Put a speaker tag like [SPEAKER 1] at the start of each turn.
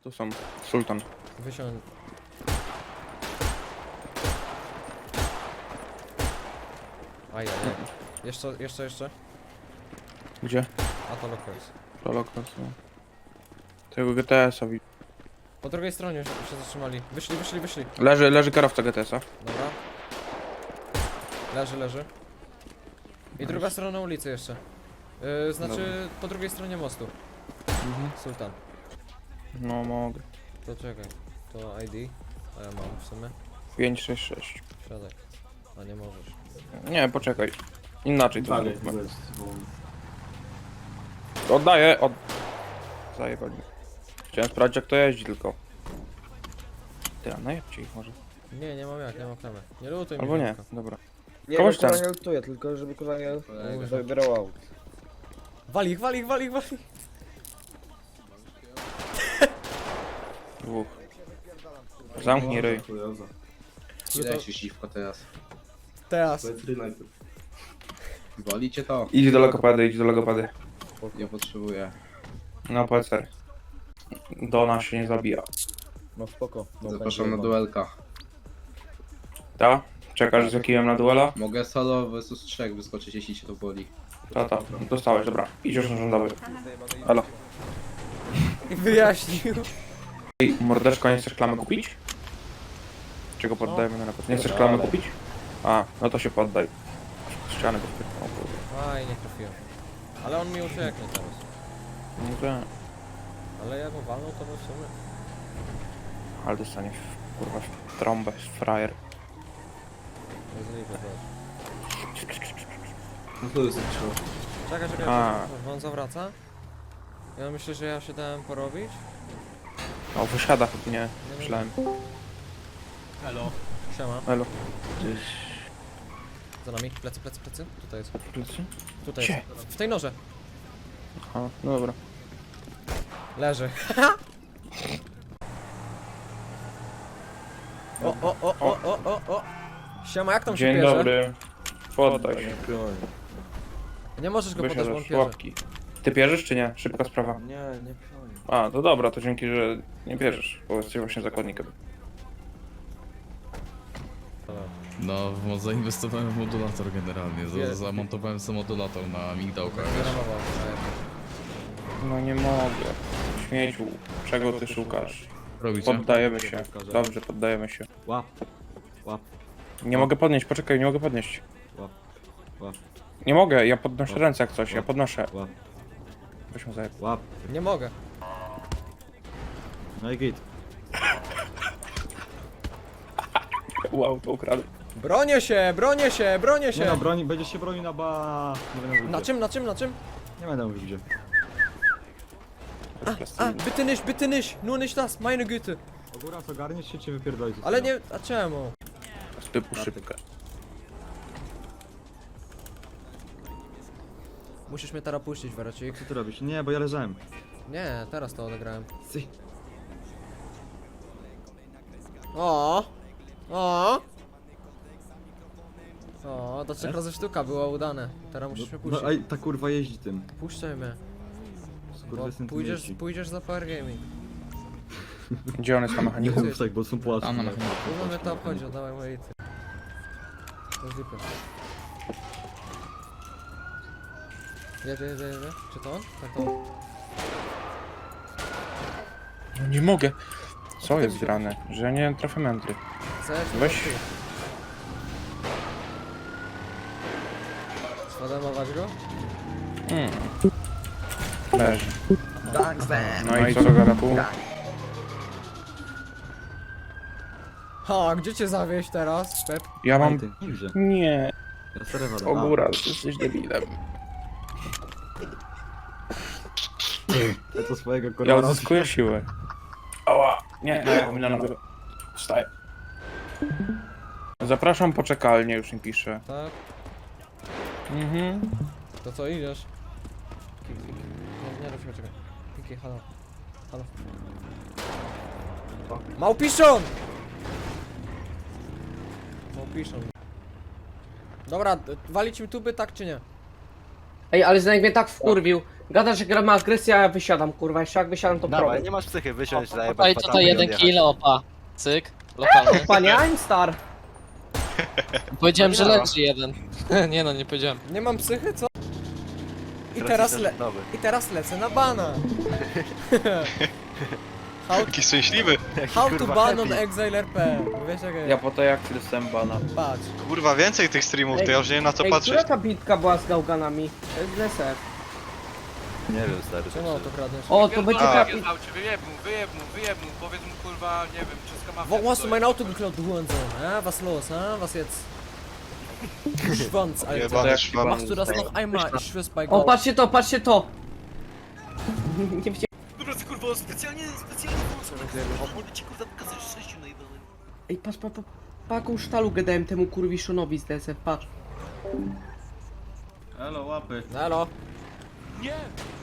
[SPEAKER 1] Tu są. Sultan.
[SPEAKER 2] Wysiądź. Ajajaj. Jeszcze.
[SPEAKER 1] Gdzie?
[SPEAKER 2] A to lokals.
[SPEAKER 1] Prolokwas, no. Tego GTS-a widzę.
[SPEAKER 2] Po drugiej stronie się zatrzymali. Wyszli.
[SPEAKER 1] Leży kierowca GTS-a.
[SPEAKER 2] Dobra. Leży. I druga strona ulicy jeszcze. Znaczy po drugiej stronie mostu. Sultan.
[SPEAKER 1] No mogę.
[SPEAKER 2] To czekaj. To ID. A ja mam w sumie.
[SPEAKER 1] 566.
[SPEAKER 2] Siadaj. A nie możesz.
[SPEAKER 1] Nie, poczekaj. Inaczej to
[SPEAKER 3] Dalej,
[SPEAKER 1] zróbmy.
[SPEAKER 3] jest,
[SPEAKER 1] Oddaję, Zajebali. Chciałem sprawdzić jak to jeździ tylko. Ty, a najebcie ich może.
[SPEAKER 2] Nie mam jak, nie mam klamy. Nie lutuj mi.
[SPEAKER 1] Albo nie,
[SPEAKER 2] Tomka.
[SPEAKER 1] dobra.
[SPEAKER 4] Nie,
[SPEAKER 1] Kogoś
[SPEAKER 4] kurwa
[SPEAKER 1] tam.
[SPEAKER 4] nie lutuję, tylko żeby kurwa nie
[SPEAKER 2] Kurwa.
[SPEAKER 4] wybierał aut.
[SPEAKER 2] Wali ich.
[SPEAKER 1] Dwóch. Zamknij ryj.
[SPEAKER 5] Ile się siwko teraz?
[SPEAKER 2] Teraz.
[SPEAKER 3] Letry najpierw.
[SPEAKER 5] Wolicie to?
[SPEAKER 1] Idź do logopedy.
[SPEAKER 5] Nie potrzebuję.
[SPEAKER 1] No PCR. Do nas się nie zabija.
[SPEAKER 4] No spoko. No,
[SPEAKER 5] Zapraszam na
[SPEAKER 4] będzie
[SPEAKER 5] duelka.
[SPEAKER 1] Ta? Czekasz z kijem na duela?
[SPEAKER 5] Mogę solo vs 3 wyskoczyć, jeśli cię to boli.
[SPEAKER 1] Ta. Dostałeś, dobra. Idziesz na rządowy. Halo.
[SPEAKER 2] Wyjaśnił.
[SPEAKER 1] Ej, mordeczko, nie chcesz klamę kupić? Czego poddajemy na napad? Nie chcesz klamę kupić? A, no to się poddaj. Ściany go wpytnął, kurwa.
[SPEAKER 2] Aj, nie trafiłem. Ale on mi ucieknie teraz.
[SPEAKER 1] No to...
[SPEAKER 2] Ale jak mu walnął, to w sumie.
[SPEAKER 1] Ale dostanie w, kurwa w trąbę, z frajer.
[SPEAKER 2] Nie zliczę też.
[SPEAKER 3] No to jest trzeba.
[SPEAKER 2] Czekaj,
[SPEAKER 1] A.
[SPEAKER 2] on zawraca? Ja myślę, że ja się dałem porobić.
[SPEAKER 1] O, wysiada chyba, nie. Myślałem.
[SPEAKER 2] Siema.
[SPEAKER 1] Elo.
[SPEAKER 2] Za nami. Plecy. Tutaj jest.
[SPEAKER 1] Plecy?
[SPEAKER 2] Tutaj
[SPEAKER 1] Gdzie?
[SPEAKER 2] jest. W tej noże.
[SPEAKER 1] Aha, no dobra.
[SPEAKER 2] Leży. O. Siema, jak tam się
[SPEAKER 1] Dzień
[SPEAKER 2] bierze?
[SPEAKER 1] dobry. Poddaj się.
[SPEAKER 2] Nie możesz go podać, bo on
[SPEAKER 1] Wysiadasz,
[SPEAKER 2] pierze.
[SPEAKER 1] łapki. Ty pierzesz czy nie? Szybka sprawa.
[SPEAKER 4] Nie pierdolę.
[SPEAKER 1] A, to dobra, to dzięki, że nie pierzesz, bo jesteś właśnie zakładnikiem.
[SPEAKER 6] No, zainwestowałem w modulator generalnie.
[SPEAKER 2] Wie-
[SPEAKER 6] Zamontowałem sobie modulator na migdałkach. wiesz.
[SPEAKER 2] Wyramował.
[SPEAKER 1] No nie mogę. Śmieciu, czego ty szukasz?
[SPEAKER 6] Robicie?
[SPEAKER 1] Poddajemy się. Dobrze, poddajemy się.
[SPEAKER 4] Łap.
[SPEAKER 1] Nie mogę podnieść, poczekaj, nie mogę podnieść.
[SPEAKER 4] Łap.
[SPEAKER 1] Nie mogę, ja podnoszę ręce jak coś, ja podnoszę.
[SPEAKER 4] Łap.
[SPEAKER 1] Weź mu zajeb.
[SPEAKER 4] Łap.
[SPEAKER 2] Nie mogę.
[SPEAKER 4] No i git.
[SPEAKER 1] Wow, to ukradł.
[SPEAKER 2] Bronię się!
[SPEAKER 4] Nie no, broni, będziesz się bronił na ba... Nie będę mówił
[SPEAKER 2] Na
[SPEAKER 4] gdzie.
[SPEAKER 2] czym?
[SPEAKER 4] Nie będę mówił gdzie.
[SPEAKER 2] Bitte nicht! Nur nicht das, meine Güte!
[SPEAKER 4] Ogóra, co garniesz się, cię wypierdoli.
[SPEAKER 2] Ale nie... A czemu?
[SPEAKER 1] Z typu szybkę.
[SPEAKER 2] Musisz mnie teraz puścić, Weracik.
[SPEAKER 4] Co ty robisz? Nie, bo ja leżałem.
[SPEAKER 2] Nie, teraz to odegrałem.
[SPEAKER 4] Sy.
[SPEAKER 2] O, do 3 razy sztuka było udane. Teraz musisz mnie
[SPEAKER 4] No
[SPEAKER 2] puścić.
[SPEAKER 4] ej, ta kurwa jeździ tym.
[SPEAKER 2] Puszczaj mnie.
[SPEAKER 4] Kurwa,
[SPEAKER 2] Bo
[SPEAKER 4] tym
[SPEAKER 2] pójdziesz, pójdziesz za Power Gaming.
[SPEAKER 1] Gdzie on jest na
[SPEAKER 4] Nie
[SPEAKER 1] mechaniku?
[SPEAKER 4] mów tak, bo są płacze.
[SPEAKER 6] Tam na mechaniku.
[SPEAKER 2] Kurwa mnie to obchodzi, oddawaj moje ity. To jest dupy. Jedzie. Czy to on? Tak to on.
[SPEAKER 1] No nie mogę. Co jest grane? Że ja nie trafię mędry. Weź.
[SPEAKER 2] Spademować go?
[SPEAKER 1] Leży. No i co, garapu?
[SPEAKER 2] Ha, gdzie cię zawieźć teraz, Pep?
[SPEAKER 1] Ja mam...
[SPEAKER 4] Ty, gdzie?
[SPEAKER 1] Nie,
[SPEAKER 4] Ja serio wadę.
[SPEAKER 1] Ogóra, jesteś debilem.
[SPEAKER 4] Ja to swojego
[SPEAKER 1] Ja
[SPEAKER 4] korona.
[SPEAKER 1] odzyskuję siłę. Ała, nie, na nogę. Wstaję. Zapraszam poczekalnie, już mi pisze.
[SPEAKER 2] Tak? To co, idziesz? Nie, czekaj. Kiki, halo. Małpiszon! Dobra, walić mi tuby, tak czy nie?
[SPEAKER 7] Ej, ale Zenek mnie tak wkurwił. Gada, że gra ma agresję, a ja wysiadam, kurwa. Jeszcze jak wysiadam, to
[SPEAKER 8] Dawaj,
[SPEAKER 7] problem.
[SPEAKER 8] nie masz psychy, wysiąść, zajebać
[SPEAKER 9] Tutaj
[SPEAKER 8] patami
[SPEAKER 9] tutaj
[SPEAKER 8] i
[SPEAKER 9] jeden
[SPEAKER 8] odjechać.
[SPEAKER 9] kill, opa. Cyk, lokalny.
[SPEAKER 7] Panie Einstar.
[SPEAKER 9] Powiedziałem, że
[SPEAKER 8] No nie
[SPEAKER 9] leży jeden. Nie no, nie powiedziałem.
[SPEAKER 2] Nie mam psychy, co? I
[SPEAKER 8] Teraz
[SPEAKER 2] teraz lecę na bana.
[SPEAKER 10] Taki szczęśliwy.
[SPEAKER 2] How to
[SPEAKER 8] kurwa
[SPEAKER 2] ban on
[SPEAKER 8] happy.
[SPEAKER 2] Exile RP. Bo wiesz jak
[SPEAKER 1] Ja po tej akcji dostałem bana.
[SPEAKER 2] patrz.
[SPEAKER 10] Kurwa, więcej tych streamów, to ja już nie wiem na co
[SPEAKER 7] Ej,
[SPEAKER 10] patrzeć.
[SPEAKER 7] która ta bitka była z gałganami? To jest DSF.
[SPEAKER 8] Nie wiem, stary.
[SPEAKER 2] Czemu to kradniesz?
[SPEAKER 7] O, to będzie
[SPEAKER 10] A.
[SPEAKER 7] ta...
[SPEAKER 11] Wyjeb mu, powiedz mu kurwa, nie wiem, wszystko ma
[SPEAKER 2] Wo hast du mein Auto geklaut, du Hurensohn? Was los, was jetzt? Schwanz, Alter.
[SPEAKER 10] Jebany szwab.
[SPEAKER 2] Machst du das noch einmal? Ich schwör's bei
[SPEAKER 7] O,
[SPEAKER 2] Gott.
[SPEAKER 7] patrzcie to, patrzcie to! Nie wzię...
[SPEAKER 11] Dobra, ty kurwa, specjalnie włączę ci kurwa pokazać szczęściu najbardziej.
[SPEAKER 7] Ej, patrz, jaką sztalugę dałem temu kurwiszonowi z DSF, patrz.
[SPEAKER 4] Elo, łapy.
[SPEAKER 2] Halo?
[SPEAKER 11] Nie!